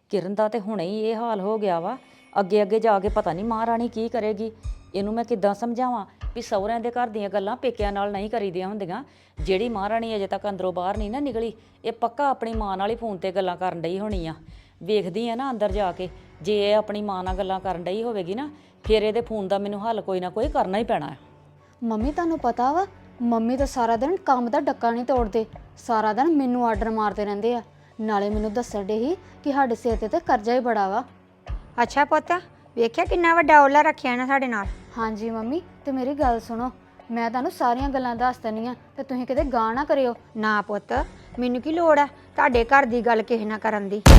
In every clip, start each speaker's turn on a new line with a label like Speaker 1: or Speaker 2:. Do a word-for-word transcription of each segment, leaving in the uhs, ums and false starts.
Speaker 1: ਕਿਰਨ ਦਾ ਤੇ ਹੁਣੇ ਹੀ ਇਹ ਹਾਲ ਹੋ ਗਿਆ ਵਾ। ਅੱਗੇ ਅੱਗੇ ਜਾ ਕੇ ਪਤਾ ਨਹੀਂ ਮਹਾਰਾਣੀ ਕੀ ਕਰੇਗੀ। ਇਹਨੂੰ ਮੈਂ ਕਿੱਦਾਂ ਸਮਝਾਵਾਂ ਵੀ ਸਹੁਰਿਆਂ ਦੇ ਘਰ ਦੀਆਂ ਗੱਲਾਂ ਪੇਕਿਆਂ ਨਾਲ ਨਹੀਂ ਕਰੀਦੀਆਂ ਹੁੰਦੀਆਂ। ਜਿਹੜੀ ਮਹਾਰਾਣੀ ਅਜੇ ਤੱਕ ਅੰਦਰੋਂ ਬਾਹਰ ਨਹੀਂ ਨਾ ਨਿਕਲੀ, ਇਹ ਪੱਕਾ ਆਪਣੀ ਮਾਂ ਨਾਲ ਹੀ ਫੋਨ ਤੇ ਗੱਲਾਂ ਕਰਨ ਡਈ ਹੋਣੀ ਆ। ਵੇਖਦੀ ਆ ਨਾ ਅੰਦਰ ਜਾ ਕੇ, ਜੇ ਇਹ ਆਪਣੀ ਮਾਂ ਨਾਲ ਗੱਲਾਂ ਕਰਨ ਡਈ ਹੋਵੇਗੀ ਨਾ, ਫਿਰ ਇਹਦੇ ਫੋਨ ਦਾ ਮੈਨੂੰ ਹੱਲ ਕੋਈ ਨਾ ਕੋਈ ਕਰਨਾ ਹੀ ਪੈਣਾ ਹੈ।
Speaker 2: ਮੰਮੀ ਤੁਹਾਨੂੰ ਪਤਾ ਵਾ, ਮੰਮੀ ਤਾਂ ਸਾਰਾ ਦਿਨ ਕੰਮ ਦਾ ਡੱਕਾ ਨਹੀਂ ਤੋੜਦੇ। ਸਾਰਾ ਦਿਨ ਮੈਨੂੰ ਆਰਡਰ ਮਾਰਦੇ ਰਹਿੰਦੇ ਆ। ਨਾਲੇ ਮੈਨੂੰ ਦੱਸਣ ਡੇ ਸੀ ਕਿ ਸਾਡੇ ਸਿਰ ਤੇ ਤੇ ਕਰਜ਼ਾ ਹੀ ਬੜਾ ਵਾ।
Speaker 3: ਅੱਛਾ ਪੁੱਤ, ਵੇਖਿਆ ਕਿੰਨਾ ਵੱਡਾ ਓਲਾ ਰੱਖਿਆ ਨਾ ਸਾਡੇ ਨਾਲ।
Speaker 2: ਹਾਂਜੀ ਮੰਮੀ, ਤੇ ਮੇਰੀ ਗੱਲ ਸੁਣੋ, ਮੈਂ ਤੁਹਾਨੂੰ ਸਾਰੀਆਂ ਗੱਲਾਂ ਦੱਸ ਦਿੰਦੀ ਆ ਤੇ ਤੁਸੀਂ ਕਿਤੇ ਗਾਹ ਨਾ ਕਰਿਓ।
Speaker 3: ਨਾ ਪੁੱਤ, ਮੈਨੂੰ ਕੀ ਲੋੜ ਆ ਤੁਹਾਡੇ ਘਰ ਦੀ ਗੱਲ ਕਿਸੇ ਨਾਲ ਕਰਨ ਦੀ।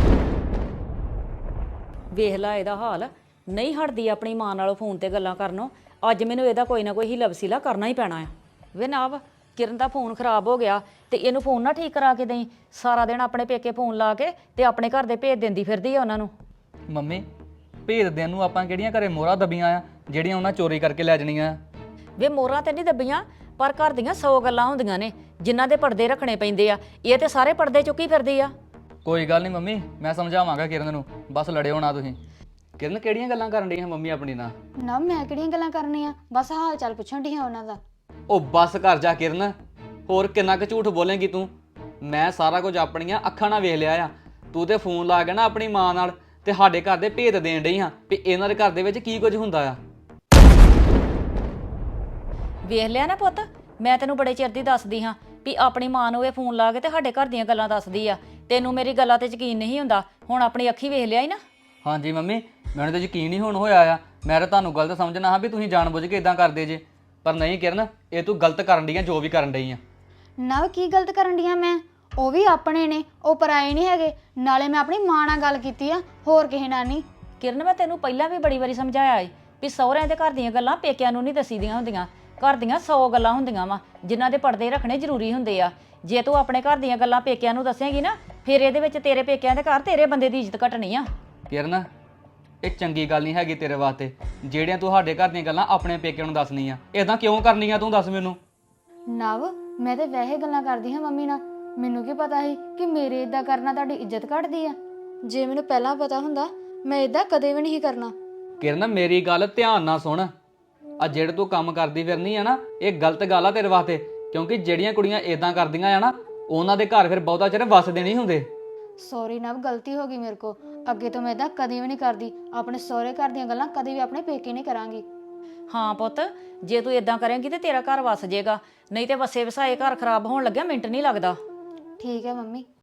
Speaker 1: ਵੇਖ ਲਾ ਇਹਦਾ ਹਾਲ, ਨਹੀਂ ਹਟਦੀ ਆਪਣੀ ਮਾਂ ਨਾਲੋਂ ਫੋਨ ਤੇ ਗੱਲਾਂ ਕਰਨੋਂ। ਅੱਜ ਮੈਨੂੰ ਇਹਦਾ ਕੋਈ ਨਾ ਕੋਈ ਹੀਲਾ ਵਸੀਲਾ ਕਰਨਾ ਹੀ ਪੈਣਾ ਆ। ਵੇ ਨਾਵ, ਕਿਰਨ ਦਾ ਫੋਨ ਖਰਾਬ ਹੋ ਗਿਆ ਤੇ ਇਹਨੂੰ ਫੋਨ ਨਾ ਠੀਕ ਕਰਾ ਕੇ ਦੇਈ। ਸਾਰਾ ਦਿਨ ਆਪਣੇ ਪੇਕੇ ਫੋਨ ਲਾ ਕੇ ਤੇ ਆਪਣੇ ਘਰ ਦੇ ਭੇਜ ਦਿੰਦੀ ਫਿਰਦੀ ਆ ਉਹਨਾਂ ਨੂੰ।
Speaker 4: ਮੰਮੀ, ਭੇਜ ਦੇਣ ਨੂੰ ਆਪਾਂ ਕਿਹੜੀਆਂ ਘਰੇ ਮੋਹਰਾਂ ਦਬੀਆਂ ਆ ਜਿਹੜੀਆਂ ਉਹਨਾਂ ਚੋਰੀ ਕਰਕੇ ਲੈ ਜਾਣੀਆਂ।
Speaker 1: ਵੇ ਮੋਹਰਾਂ ਤੇ ਨਹੀਂ ਦੱਬੀਆਂ, ਪਰ ਘਰ ਦੀਆਂ ਸੌ ਗੱਲਾਂ ਹੁੰਦੀਆਂ ਨੇ ਜਿਨ੍ਹਾਂ ਦੇ ਪਰਦੇ ਰੱਖਣੇ ਪੈਂਦੇ ਆ। ਇਹ ਤੇ ਸਾਰੇ ਪਰਦੇ ਚੁੱਕੀ ਫਿਰਦੀ ਆ।
Speaker 4: ਕੋਈ ਗੱਲ ਨਹੀਂ ਮੰਮੀ, ਮੈਂ ਸਮਝਾਵਾਂਗਾ ਕਿਰਨ ਨੂੰ, ਬਸ ਲੜਿਓ ਨਾ ਤੁਸੀਂ। ਕਿਰਨ ਕਿਹੜੀਆਂ ਗੱਲਾਂ ਕਰਨ ਡਈ ਹੈ ਮੰਮੀ ਆਪਣੀ ਨਾਲ?
Speaker 2: ਨਾ ਮੈਂ ਕਿਹੜੀਆਂ ਗੱਲਾਂ ਕਰਨੀਆਂ, ਬਸ ਹਾਲ ਚਾਲ ਪੁੱਛਣ ਡੀ ਹਾਂ ਉਹਨਾਂ ਦਾ।
Speaker 4: ਉਹ ਬੱਸ ਕਰ ਜਾ ਕਿਰਨ, ਹੋਰ ਕਿੰਨਾ ਕੁ ਝੂਠ ਬੋਲੇਂਗੀ ਤੂੰ? ਮੈਂ ਸਾਰਾ ਕੁਝ ਆਪਣੀਆਂ ਅੱਖਾਂ ਨਾਲ ਵੇਖ ਲਿਆ ਆ। ਤੂੰ ਤੇ ਫੋਨ ਲਾ ਕੇ ਨਾ ਆਪਣੀ ਮਾਂ ਨਾਲ ਤੇ ਸਾਡੇ ਘਰ ਦੇ ਭੇਤ ਦੇਣ ਡਈ ਹਾਂ ਵੀ ਇਹਨਾਂ ਦੇ ਘਰ ਦੇ ਵਿੱਚ ਕੀ ਕੁਝ ਹੁੰਦਾ ਆ।
Speaker 1: ਵੇਖ ਲਿਆ ਨਾ ਪੁੱਤ, ਮੈਂ ਤੈਨੂੰ ਬੜੇ ਚਿਰ ਦੀ ਦੱਸਦੀ ਹਾਂ ਵੀ ਆਪਣੀ ਮਾਂ ਨੂੰ ਇਹ ਫੋਨ ਲਾ ਕੇ ਤੇ ਸਾਡੇ ਘਰ ਦੀਆਂ ਗੱਲਾਂ ਦੱਸਦੀ ਆ। ਤੈਨੂੰ ਮੇਰੀ ਗੱਲਾਂ ਤੇ ਯਕੀਨ ਨਹੀਂ ਹੁੰਦਾ, ਹੁਣ ਆਪਣੀ ਅੱਖੀ ਵੇਖ ਲਿਆ ਹੀ ਨਾ।
Speaker 4: ਹਾਂਜੀ ਮੰਮੀ, ਮੈਨੂੰ ਤਾਂ ਯਕੀਨ ਹੀ ਹੁਣ ਹੋਇਆ ਆ। ਮੈਂ ਤਾਂ ਤੁਹਾਨੂੰ ਗਲਤ ਸਮਝਣਾ ਹਾਂ ਵੀ ਤੁਸੀਂ ਜਾਣਬੁੱਝ ਕੇ ਇਦਾਂ ਕਰਦੇ ਜੇ, ਪਰ ਨਹੀਂ ਕਿਰਨ, ਇਹ ਤੂੰ ਗਲਤ ਕਰਨ ਡਈ ਆ ਜੋ ਵੀ ਕਰਨ ਡਈ ਆ।
Speaker 2: ਨਾ ਕੀ ਗਲਤ ਕਰਨ ਡੀਆਂ ਮੈਂ? ਉਹ ਵੀ ਆਪਣੇ ਨੇ, ਉਹ ਪਰਾਏ ਨਹੀਂ ਹੈਗੇ। ਨਾਲੇ ਮੈਂ ਆਪਣੀ ਮਾਂ ਨਾਲ ਗੱਲ ਕੀਤੀ ਆ, ਹੋਰ ਕਿਸੇ ਨਾਲ ਨਹੀਂ।
Speaker 1: ਕਿਰਨ, ਮੈਂ ਤੈਨੂੰ ਪਹਿਲਾਂ ਵੀ ਬੜੀ ਵਾਰੀ ਸਮਝਾਇਆ ਏ ਵੀ ਸਹੁਰਿਆਂ ਦੇ ਘਰ ਦੀਆਂ ਗੱਲਾਂ ਪੇਕਿਆਂ ਨੂੰ ਨਹੀਂ ਦੱਸੀਦੀਆਂ ਹੁੰਦੀਆਂ। ਘਰ ਦੀਆਂ ਸੌ ਗੱਲਾਂ ਹੁੰਦੀਆਂ ਵਾ ਜਿਨ੍ਹਾਂ ਦੇ ਪਰਦੇ ਰੱਖਣੇ ਜ਼ਰੂਰੀ ਹੁੰਦੇ ਆ। ਜੇ ਤੂੰ ਆਪਣੇ ਘਰ ਦੀਆਂ ਗੱਲਾਂ ਪੇਕਿਆਂ ਨੂੰ ਦੱਸੇਂਗੀ ਨਾ, ਫਿਰ ਇਹਦੇ ਵਿੱਚ ਤੇਰੇ ਪੇਕਿਆਂ ਦੇ ਘਰ ਤੇਰੇ ਬੰਦੇ ਦੀ ਇੱਜ਼ਤ ਘਟਣੀ ਆ।
Speaker 4: ਕਿਰਨ, ਇਹ ਚੰਗੀ ਗੱਲ ਨਹੀਂ ਹੈਗੀ ਤੇਰੇ ਵਾਸਤੇ ਜਿਹੜੀਆਂ ਤੂੰ ਸਾਡੇ ਘਰ ਦੀਆਂ ਗੱਲਾਂ ਆਪਣੇ ਪੇਕਿਆਂ ਨੂੰ ਦੱਸਣੀਆਂ। ਇਦਾਂ ਕਿਉਂ ਕਰਨੀਆਂ ਤੂੰ ਦੱਸ ਮੈਨੂੰ?
Speaker 2: ਨਵ, ਮੈਂ ਤੇ ਵੈਸੇ ਗੱਲਾਂ ਕਰਦੀ ਹਾਂ ਮੰਮੀ ਨਾਲ। ਮੈਨੂੰ ਕੀ ਪਤਾ ਸੀ ਕਿ ਮੇਰੇ ਇਦਾਂ ਕਰਨਾ ਤੁਹਾਡੀ ਇੱਜ਼ਤ ਘਟਦੀ ਆ। ਜੇ ਮੈਨੂੰ ਪਹਿਲਾਂ ਪਤਾ ਹੁੰਦਾ, ਮੈਂ ਇਦਾਂ ਕਦੇ ਵੀ ਨਹੀਂ ਕਰਨਾ।
Speaker 4: ਕਿਰਨ, ਮੇਰੀ ਗੱਲ ਧਿਆਨ ਨਾਲ ਸੁਣ। ਆ ਜਿਹੜੇ ਤੂੰ ਕੰਮ ਕਰਦੀ ਫਿਰਨੀ ਆ ਨਾ, ਇਹ ਗਲਤ ਗੱਲ ਆ ਤੇਰੇ ਵਾਸਤੇ, ਕਿਉਂਕਿ ਜਿਹੜੀਆਂ ਕੁੜੀਆਂ ਇਦਾਂ ਕਰਦੀਆਂ ਆ ਨਾ, ਉਹਨਾਂ ਦੇ ਘਰ ਫਿਰ ਬਹੁਤਾ ਚਿਰ ਵੱਸਦੇ ਨਹੀਂ ਹੁੰਦੇ।
Speaker 2: ਸੌਰੀ ਨਵ, ਗਲਤੀ ਹੋ ਗਈ ਮੇਰੇ ਕੋ। ਅੱਗੇ ਤੋਂ ਮੈਂ ਇਦਾਂ ਕਦੇ ਵੀ ਨਹੀਂ ਕਰਦੀ। ਆਪਣੇ ਸਹੁਰੇ ਘਰ ਦੀਆਂ ਗੱਲਾਂ ਕਦੇ ਵੀ ਆਪਣੇ ਪੇਕੇ ਨਹੀਂ ਕਰਾਂਗੀ।
Speaker 1: ਹਾਂ ਪੁੱਤ, ਜੇ ਤੂੰ ਇਦਾਂ ਕਰੇਂਗੀ ਤੇ ਤੇਰਾ ਘਰ ਵਸ ਜਾਏਗਾ, ਨਹੀਂ ਤੇ ਵਸੇ ਵਸਾਏ ਘਰ ਖਰਾਬ ਹੋਣ ਲੱਗਿਆ ਮਿੰਟ ਨਹੀਂ ਲੱਗਦਾ।
Speaker 2: ਠੀਕ ਹੈ ਮੰਮੀ।